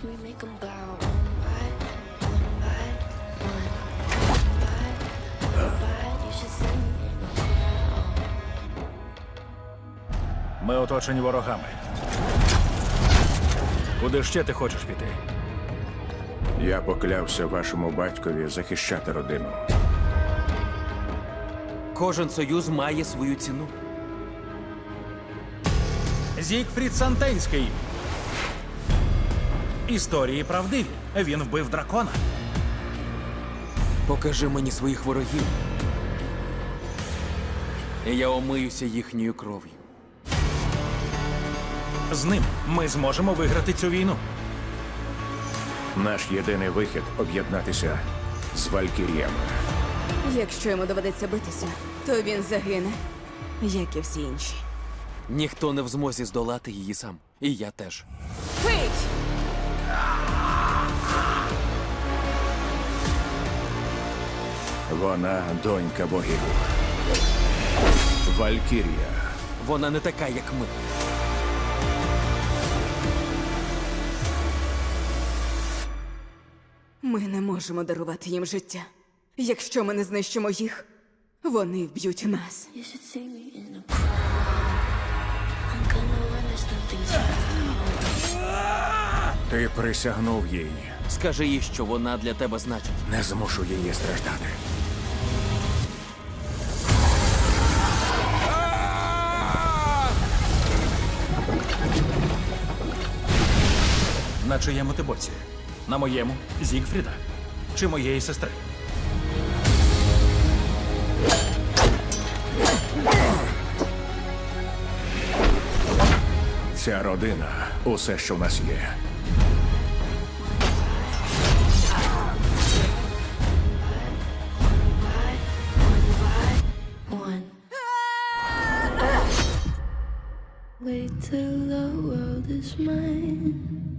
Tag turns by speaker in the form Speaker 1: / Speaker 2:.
Speaker 1: me make 'em bow one by one. One by, you should see me in the crowd.
Speaker 2: Ми оточені ворогами. Куди ще ти хочеш піти?
Speaker 3: Я поклявся вашому батькові захищати родину.
Speaker 4: Кожен союз має свою ціну.
Speaker 2: Зігфрід Сантенський. Історії правдиві. Він вбив дракона.
Speaker 4: Покажи мені своїх ворогів. І я омиюся їхньою кров'ю.
Speaker 2: З ним ми зможемо виграти цю війну.
Speaker 3: Наш єдиний вихід – об'єднатися з Валькіріями.
Speaker 5: Якщо йому доведеться битися, то він загине, як і всі інші.
Speaker 4: Ніхто не в змозі здолати її сам. І я теж.
Speaker 5: Пий!
Speaker 3: Вона донька богів. Валькірія.
Speaker 4: Вона не така, як ми.
Speaker 5: Ми не можемо дарувати їм життя. Якщо ми не знищимо їх, вони вб'ють нас.
Speaker 1: You should see me in the crowd. I'm gonna run, there's nothing to.
Speaker 3: Ти присягнув їй.
Speaker 4: Скажи їй, що вона для тебе значить.
Speaker 3: Не змушу її страждати.
Speaker 2: На чиєму ти боці? На моєму Зігфріда? Чи моєї сестри?
Speaker 3: Ця родина – усе, що в нас є.
Speaker 1: One. Wait till the world is mine.